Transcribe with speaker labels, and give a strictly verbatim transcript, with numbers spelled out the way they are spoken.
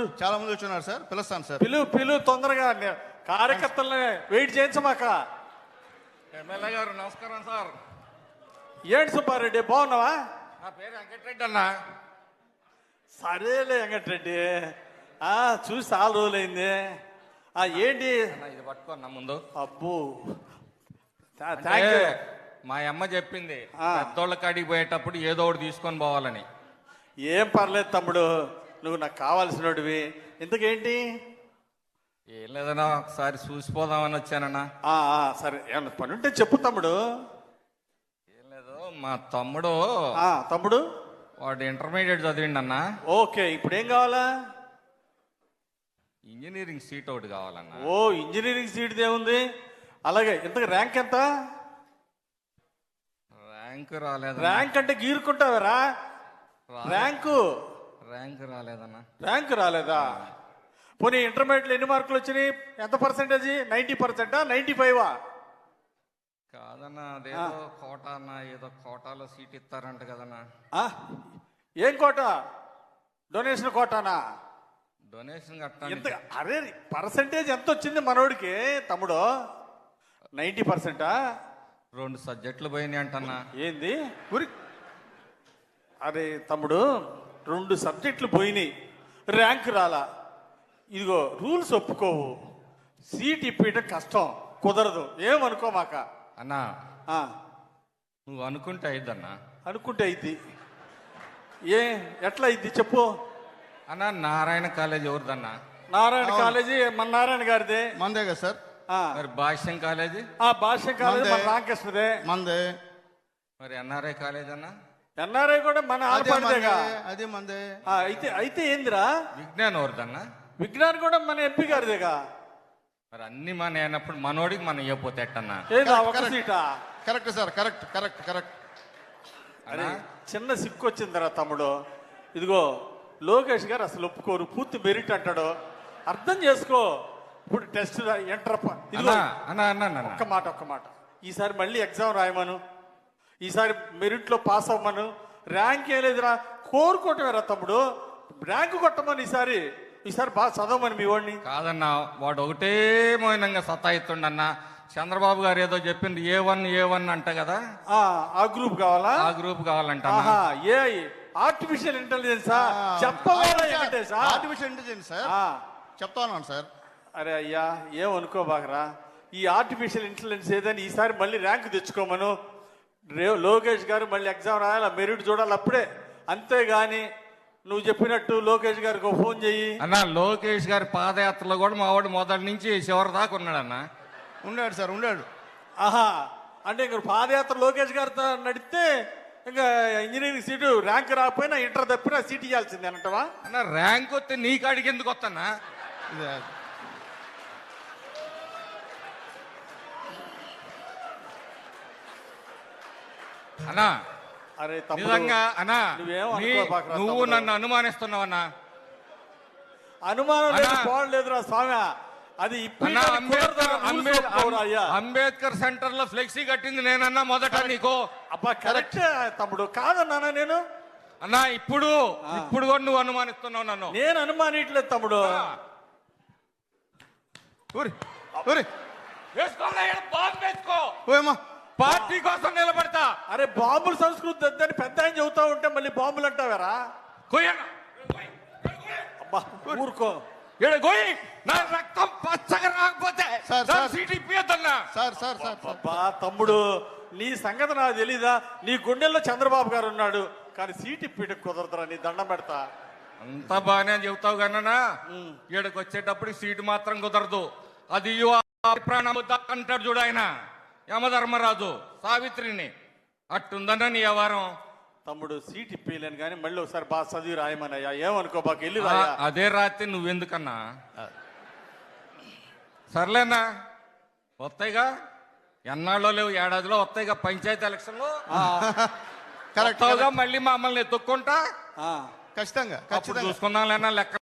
Speaker 1: చాలా మంది వచ్చున్నారు సార్, పిలుస్తాను సార్.
Speaker 2: పిలు పిలు తొందరగా కార్యకర్తల్ని వెయిట్ చేయించమాక.
Speaker 3: ఎమ్మెల్యే గారు నమస్కారం సార్.
Speaker 2: ఏంటి సుబ్బారెడ్డి బాగున్నావా?
Speaker 3: నా పేరు వెంకటరెడ్డి అన్న.
Speaker 2: సరేలే వెంకటరెడ్డి, ఆ చూసి చాలా రోజులైంది. ఆ ఏంటి
Speaker 3: అన్న, ఇది పట్టుకోన్న ముందు.
Speaker 2: అబ్బో
Speaker 3: అంటే
Speaker 2: థ్యాంక్ యూ.
Speaker 3: మా అమ్మ చెప్పింది
Speaker 2: ఆ.
Speaker 3: పెద్దోళ్ళ కాడికి పోయేటప్పుడు ఏదో ఒకటి తీసుకొని పోవాలని.
Speaker 2: ఏం పర్లేదు తమ్ముడు, నువ్వు నాకు కావాల్సినోడివి. ఇంతకేంటి?
Speaker 3: ఏం లేదన్నా, ఒకసారి చూసిపోదామని వచ్చానన్నా.
Speaker 2: ఆ, ఆ, సరే ఏమన్నా పని ఉంటే చెప్పు తమ్ముడు.
Speaker 3: ఏం లేదు, మా తమ్ముడు
Speaker 2: ఆ తమ్ముడు
Speaker 3: వాడు ఇంటర్మీడియట్ చదివిండి అన్న.
Speaker 2: ఓకే, ఇప్పుడు ఏం కావాలా?
Speaker 3: ఇంజనీరింగ్ సీట్ ఒకటి కావాలన్నా.
Speaker 2: ఓ ఇంజనీరింగ్ సీట్ ఏముంది? అలాగే ఇంతకు ర్యాంక్ ఎంత?
Speaker 3: ర్యాంక్ రాలేదు.
Speaker 2: ర్యాంక్ అంటే గీరుకుంటావరా? ర్యాంకు
Speaker 3: ర్యాంక్ రాలేదన్నా.
Speaker 2: ర్యాంక్ రాలేదా? పోనీ ఇంటర్మీడియట్లో ఎన్ని మార్కులు వచ్చినాయి? ఎంత పర్సెంటేజ్? నైంటీ పర్సెంటా నైంటీ ఫైవా?
Speaker 3: కాదన్నా, అదేదో కోటా అన్న, ఏదో కోటాలో సీట్ ఇస్తారంట కదన్నా.
Speaker 2: ఏం కోట? డొనేషన్ కోటానా?
Speaker 3: డొనేషన్
Speaker 2: ఎంత?
Speaker 3: కట్టాలి.
Speaker 2: అరే పర్సెంటేజ్ ఎంత వచ్చింది మనోడికి తమ్ముడు? నైంటీ పర్సెంటా?
Speaker 3: రెండు సబ్జెక్టులు పోయినాయి అంటన్నా.
Speaker 2: ఏంది ఉరి? అరే తమ్ముడు, రెండు సబ్జెక్టులు పోయినాయి, ర్యాంక్ రాలా. ఇదిగో రూల్స్ ఒప్పుకోవు, సీట్ ఇప్పించడం కష్టం, కుదరదు. ఏమనుకోమాక
Speaker 3: అన్నా.
Speaker 2: ఆ,
Speaker 3: నువ్వు అనుకుంటే అయిద్దన్నా.
Speaker 2: అనుకుంటే అయింది. ఏ ఎట్లా అయింది చెప్పు.
Speaker 3: అన్నా, నారాయణ కాలేజ్ ఎవరిదన్నా?
Speaker 2: నారాయణ కాలేజీ మన నారాయణ గారిదే.
Speaker 1: మందే కదా సార్.
Speaker 2: ఆ,
Speaker 3: మరి భాష్యం కాలేజీ?
Speaker 2: ఆ భాష్యం కాలేజీ మన
Speaker 1: మందే.
Speaker 2: రామకృష్ణదే.
Speaker 1: మందే.
Speaker 3: మరి ఎన్ఆర్ఐ కాలేజ్ అన్నా?
Speaker 2: ఎన్ఆర్ఐ కూడా మన
Speaker 1: అదే మందే,
Speaker 2: ఆడపడిదేగా.
Speaker 1: అదే మందే.
Speaker 2: ఆ, అయితే అయితే ఏందిరా?
Speaker 3: విజ్ఞానం ఎవరిదన్నా?
Speaker 2: విజ్ఞాన్ కూడా మన ఎంపీ గారిదేగా.
Speaker 3: మరి అన్ని మన అయినప్పుడు మనోడికి మనం ఇవ్వపోతే ఎట్టన్నా?
Speaker 2: ఏదా ఒక
Speaker 1: కరెక్ట్.
Speaker 2: సీటా?
Speaker 1: Correct sir, correct correct correct.
Speaker 2: అరే
Speaker 3: అన్నా,
Speaker 2: చిన్న సిక్కు వచ్చిందిరా తమ్ముడు. ఇదిగో లోకేష్ గారు అసలు ఒప్పుకోరు, పూర్తి మెరిట్ అంటాడు. అర్థం చేసుకో. ఇప్పుడు టెస్ట్ ఎంటర్ ఇదిగో
Speaker 3: అన్నా అన్నా అన్నా అన్నా.
Speaker 2: ఒక్క మాట ఒక్క మాట ఈసారి మళ్ళీ ఎగ్జామ్ రాయమను, ఈసారి మెరిట్లో పాస్ అవ్వమను. ర్యాంక్ ఏం లేదురా, కోరుకోవటమేరా తమ్ముడు. ర్యాంక్ కొట్టమని ఈసారి ఈసారి బాగా చదవమని మీ వాడిని.
Speaker 3: కాదన్నా, వాడు ఒకటే మౌనంగా సతాయిస్తుండన్నా. చంద్రబాబు గారు ఏదో చెప్పింది ఏ వన్ ఏ వన్ అంట కదా.
Speaker 2: ఆ, ఆ గ్రూప్ కావాలా?
Speaker 3: ఆ గ్రూప్ కావాలంట.
Speaker 2: ఆహా, ఏ ఆర్టిఫిషియల్ ఇంటెలిజెన్సా? చెప్పవాలా వెంకటేశా?
Speaker 1: ఆర్టిఫిషియల్ ఇంటెలిజెన్స్ సార్,
Speaker 2: ఆ,
Speaker 1: చెప్తా ఉన్నాను సార్.
Speaker 2: అరే అయ్యా, ఏమనుకోబాకరా. ఈ ఆర్టిఫిషియల్ ఇంటెలిజెన్స్ ఏదని ఈసారి మళ్ళీ ర్యాంక్ తెచ్చుకోమను. రే లోకేష్ గారు మళ్ళీ ఎగ్జామ్ రాయాలి, మెరిట్ చూడాలి అప్పుడే. అంతేగాని నువ్వు చెప్పినట్టు లోకేష్ గారికి ఒక ఫోన్ చెయ్యి.
Speaker 3: అన్నా, లోకేష్ గారి పాదయాత్రలో కూడా మా వాడు మొదటి నుంచి చివరి దాకా ఉన్నాడన్నా.
Speaker 1: ఉన్నాడు సార్, ఉన్నాడు.
Speaker 2: ఆహా, అంటే ఇంక పాదయాత్ర లోకేష్ గారితో నడిస్తే ఇంకా ఇంజనీరింగ్ సీటు ర్యాంక్ రాకపోయినా ఇంటర్ తప్పినా సీట్ ఇవ్వాల్సిందే అంటవా?
Speaker 3: అన్న, ర్యాంక్ వస్తే నీ కాడికి ఎందుకు వస్తానా?
Speaker 1: ఇదే.
Speaker 3: అన్నా,
Speaker 2: అరే తమ్ముడు,
Speaker 3: నిజంగా అన్నా,
Speaker 2: నువ్వేం
Speaker 3: నీ-
Speaker 2: అనుకోబాకురా
Speaker 3: నువ్వు
Speaker 2: తమ్ముడు.
Speaker 3: నన్ను అనుమానిస్తున్నావన్నా.
Speaker 2: అనుమానం లేదు,
Speaker 3: అన్నా.
Speaker 2: పోవట్లేదురా స్వామి. అది
Speaker 3: అన్నా, అంబేద్కర్ అంబేద్-
Speaker 2: అయ్యా.
Speaker 3: అంబేద్కర్ సెంటర్ లో ఫ్లెక్సీ కట్టింది నేనన్నా మొదట నీకు.
Speaker 2: అబ్బా కరెక్ట్ తమ్ముడు, కాదన్నానా నేను?
Speaker 3: అన్నా, ఇప్పుడు ఇప్పుడు కూడా నువ్వు అనుమానిస్తున్నావు నన్ను.
Speaker 2: నేను అనుమానిట్లేదు తమ్ముడు.
Speaker 1: ఊరి ఊరి
Speaker 3: వేసుకోలే, ఈడ బాంబు వేసుకో.
Speaker 1: ఓయమ్మా.
Speaker 3: పార్టీ కోసం నిలబడతా.
Speaker 2: అరే బాంబుల సంస్కృతి వద్దని పెద్ద ఆయన చెబుతా ఉంటే మళ్ళీ బాంబులు అంటావారా?
Speaker 3: కొయ్యన్నా.
Speaker 2: అబ్బా ఊరుకో.
Speaker 3: ఈడ కొయ్యి. నా రక్తం పచ్చగా రాకపోతే
Speaker 1: సార్,
Speaker 3: నా
Speaker 1: సార్.
Speaker 3: సీట్ ఇప్పియద్దన్నా.
Speaker 1: Sir sir sir sir.
Speaker 2: అబ్బా తమ్ముడు, నీ సంగతి నాకు తెలీదా? నీ గుండెల్లో చంద్రబాబు గారు ఉన్నాడు, కానీ సీట్ ఇప్పిట కుదరదురా. నీ దండం పెడతా.
Speaker 3: అంత బాగానే చెబుతావు కన్నా, ఈడకి వచ్చేటప్పుడు సీటు మాత్రం కుదరదు. అది ప్రాణం అంటాడు చూడు ఆయన యమధర్మరాజు సావిత్రిని. అట్టుందన్న నీ వ్యవహారం.
Speaker 2: తమ్ముడు సీట్ ఇప్పలేను కానీ మళ్ళీ ఒకసారి బాగా చదివి రాయమనయ్యా. ఏమనుకో బాగా వెళ్ళి
Speaker 3: ఆ,
Speaker 2: రాయా.
Speaker 3: అదే రాత్రి నువ్వెందుకన్నా? సర్లేనా, వస్తాయిగా, ఎన్నాళ్ళో లేవు, ఏడాదిలో వస్తాయిగా పంచాయతీ ఎలక్షన్లో.
Speaker 1: కరెక్ట్.
Speaker 3: మళ్ళీ మమ్మల్ని ఎత్తుక్కుంటా
Speaker 1: ఖచ్చితంగా
Speaker 3: అప్పుడు
Speaker 1: ఖచ్చితంగా
Speaker 3: చూసుకుందాం లేనా లెక్క.